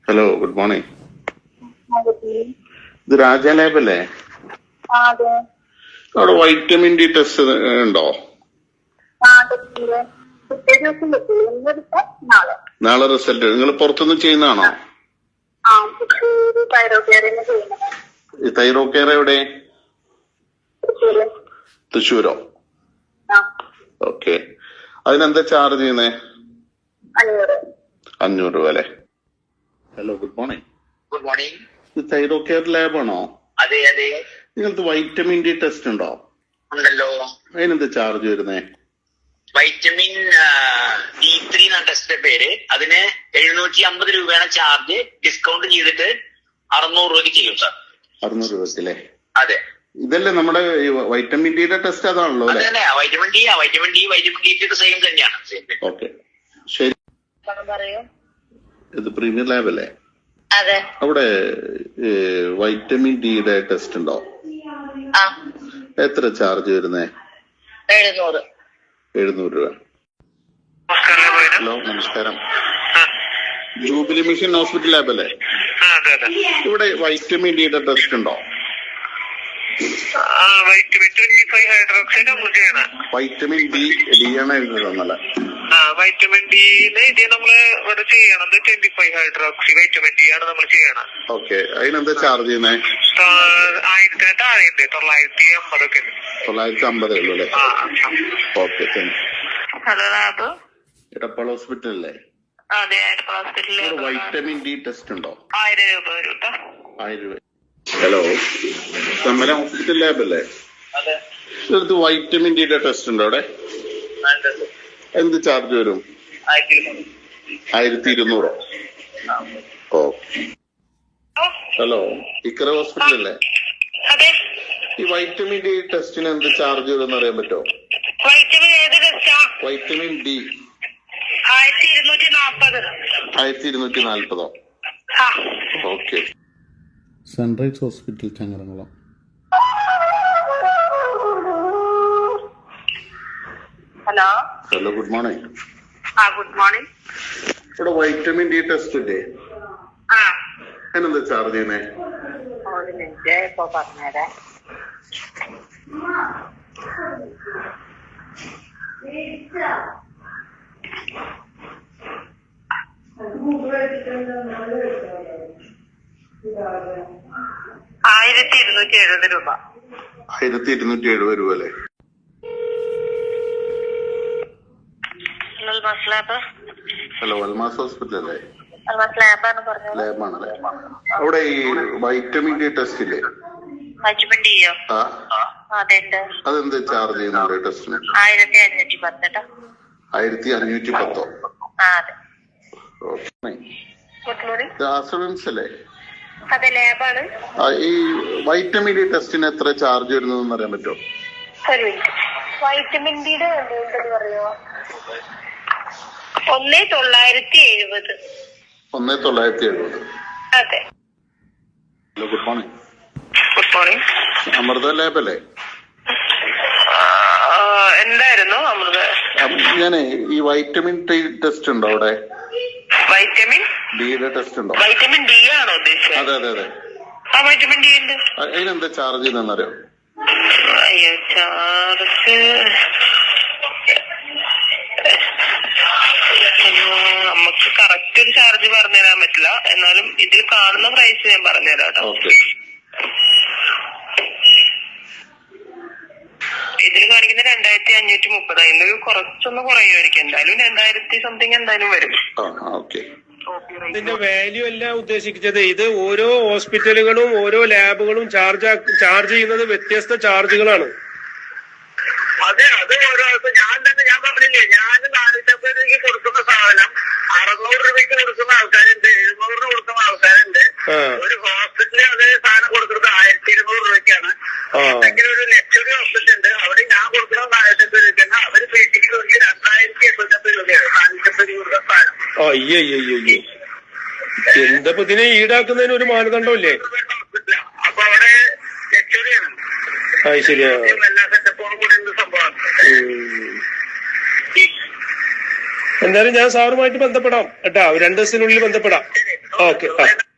Hello, good morning. ഇത് രാജ lab അല്ലേ? അവിടെ വൈറ്റമിൻ ഡി ടെസ്റ്റ് ഉണ്ടോ? നാളെ റിസൾട്ട് നിങ്ങൾ പുറത്തുനിന്ന് ചെയ്യുന്നതാണോ? ഈ തൈറോ കെയർ എവിടെ? തൃശ്ശൂരോ? ഓക്കെ. അതിനെന്താ ചാർജ് ചെയ്യുന്നേ? 500 രൂപ അല്ലേ? Hello, good morning. Good morning. ഇത് തൈറോ കെയർ ലാബാണോ? അതെ അതെ. നിങ്ങൾക്ക് വൈറ്റമിൻ ഡി ടെസ്റ്റ് ഉണ്ടോ? ഉണ്ടല്ലോ. അതിനെന്താ ചാർജ് വരുന്നേ? വൈറ്റമിൻ D3 എന്നാണ് ടെസ്റ്റിന്റെ പേര്. അതിന് 750 രൂപയാണ് ചാർജ്. ഡിസ്കൗണ്ട് ചെയ്തിട്ട് 600 രൂപയ്ക്ക് ചെയ്യും സാർ. 600 രൂപയ്ക്കല്ലേ? അതെ. ഇതല്ലേ നമ്മുടെ വൈറ്റമിൻ ഡിയുടെ ടെസ്റ്റ് അതാണല്ലോ അല്ലേ? വൈറ്റമിൻ ഡി സെയിം തന്നെയാണ്. ഓക്കെ, ശരി. ഇത് പ്രീമിയർ ലാബ് അല്ലേ? അതെ. അവിടെ വൈറ്റമിൻ ഡിയുടെ ടെസ്റ്റ് ഉണ്ടോ? എത്ര ചാർജ് വരുന്നേ? 700 രൂപ. ഹലോ, നമസ്കാരം. ജൂബിലി മിഷൻ ഹോസ്പിറ്റൽ ലാബ് അല്ലേ? ഇവിടെ വൈറ്റമിൻ ഡിയുടെ ടെസ്റ്റ് ഉണ്ടോ? വൈറ്റമിൻ ഡി ആണ് എഴുതുന്നത് തന്നല്ലേ? വൈറ്റമിൻ ഡി നമ്മള് ഇവിടെ ചെയ്യണത് 25 ഹൈഡ്രോക്സി വൈറ്റമിൻ ഡി ആണ് നമ്മൾ ചെയ്യണം. ഓക്കെ. അതിനെന്താ ചാർജ് ചെയ്യുന്നേ? 1000 താഴെയുണ്ട്. 950 ഒക്കെ. 950 ഉള്ളൂ അല്ലേ? Okay, thank you. Hello, lab Edappal hospital അല്ലേ? അതെ, ഹോസ്പിറ്റലിൽ വൈറ്റമിൻ ഡി ടെസ്റ്റ് ഉണ്ടോ? 1000 രൂപ വരും കേട്ടോ. 1000 രൂപ. ഹലോ, കമല ഹോസ്പിറ്റൽ ലാബ് അല്ലേ? അതെ. ഇതിനകത്ത് വൈറ്റമിൻ ഡിയുടെ ടെസ്റ്റ് ഉണ്ടോ അവിടെ? എന്ത് ചാർജ് വരും? 1200. ഓ, ഹലോ, ഇക്കറ ഹോസ്പിറ്റൽ അല്ലേ? അതെ. ഈ വൈറ്റമിൻ ഡി ടെസ്റ്റിന് എന്ത് ചാർജ് വരും അറിയാൻ പറ്റുമോ? വൈറ്റമിൻ ഏത് ടെസ്റ്റാ? Vitamin D 1240. 1240. Okay. Sunrise hospital Changaramkulam. Hello. Hello, good morning. Good morning. ഇവിടെ വൈറ്റമിൻ ഡി ടെസ്റ്റ് ഇല്ലേ? അതിനെന്താ ചാർജ് ചെയ്യുന്നേ? ഒരു മിനിറ്റ്, ഇപ്പൊ പറഞ്ഞേരാ. രൂപ. 1270 രൂപ അല്ലേ? ഹലോ, അൽമാസ് ഹോസ്പിറ്റൽ അല്ലേ? ലാബാണല്ലേ? അവിടെ ഈ വൈറ്റമിൻ ഡി ടെസ്റ്റ് ഇല്ലേ? വൈറ്റമിൻ ഡിയോ? അതെന്ത് ചാർജ് ചെയ്യുന്നുണ്ട് ടെസ്റ്റിന്? 1510. 1510. അതെ. ആശ്രമൻസ് അല്ലേ? അതെ, ലാബാണ്. ഈ വൈറ്റമിൻ ഡി ടെസ്റ്റിന് എത്ര ചാർജ് വരുന്നതെന്ന് അറിയാൻ പറ്റുമോ? ഒരു മിനിറ്റ്. വൈറ്റമിൻ ഡിയുടെ പറയോ? 1970. 1970. അതെ. Hello, good morning. Good morning. Amrita lab അല്ലേ? എന്തായിരുന്നു അമൃത? ഞാനേ ഈ വൈറ്റമിൻ ഡി ടെസ്റ്റ് ഉണ്ടോ അവിടെ? വൈറ്റമിൻ ഡിയുടെ ടെസ്റ്റ് ഉണ്ടോ? വൈറ്റമിൻ ഡി ആണോ ഉദ്ദേശിച്ചത്? അതെ അതെ അതെ. വൈറ്റമിൻ ഡി ഉണ്ട്. അതിനെന്താ ചാർജ് ചെയ്യുന്നറിയോ? അയ്യോ, ചാർജ് നമുക്ക് കറക്റ്റ് ഒരു ചാർജ് പറഞ്ഞുതരാൻ പറ്റില്ല. എന്നാലും ഇതിൽ കാണുന്ന പ്രൈസ് ഞാൻ പറഞ്ഞുതരാം കേട്ടോ. ഓക്കെ. ഇതിൽ കാണിക്കുന്ന 2530. അതിന്റെ കുറച്ചൊന്ന് കുറയുമായിരിക്കും. എന്തായാലും 2000 സംതിങ് എന്തായാലും വരും. ഓക്കെ. ഇതിന്റെ വാല്യൂ അല്ല ഉദ്ദേശിച്ചത്. ഇത് ഓരോ ഹോസ്പിറ്റലുകളും ഓരോ ലാബുകളും ചാർജ് ചെയ്യുന്നത് വ്യത്യസ്ത ചാർജുകളാണ്. അതെ, അത് ഓരോ ഞാൻ പറഞ്ഞില്ലേ, ഞാൻ 450 രൂപയ്ക്ക് കൊടുക്കുന്ന സാധനം 600 രൂപയ്ക്ക് കൊടുക്കുന്ന ആൾക്കാരുണ്ട്, 700 കൊടുക്കുന്ന ആൾക്കാരുണ്ട്. ഒരു ഹോസ്പിറ്റലിൽ അതേ സാധനം കൊടുക്കുന്നത് 1200 രൂപയ്ക്കാണ്. എന്തെങ്കിലും ഒരു ലക്ഷറി ഹോസ്പിറ്റൽ ഉണ്ട്, അവിടെ ഞാൻ കൊടുക്കുന്നത് 450 രൂപയ്ക്കാണ്. അവര് പേറ്റിക്ക് നോക്കി 2850 രൂപയാണ് 450 രൂപ സാധനം. അയ്യോ, എന്താ ഇതിനെ ഈടാക്കുന്നതിന് ഒരു മാനദണ്ഡമില്ലേ? അപ്പൊ അവിടെ ലക്ഷറിയാണ്. ശരിയാ. എല്ലാ സെറ്റപ്പോടും കൂടി സംഭവമാണ്. എന്തായാലും ഞാൻ സാറുമായിട്ട് ബന്ധപ്പെടാം കേട്ടാ. 2 ദിവസത്തിനുള്ളിൽ ബന്ധപ്പെടാം. ഓക്കെ.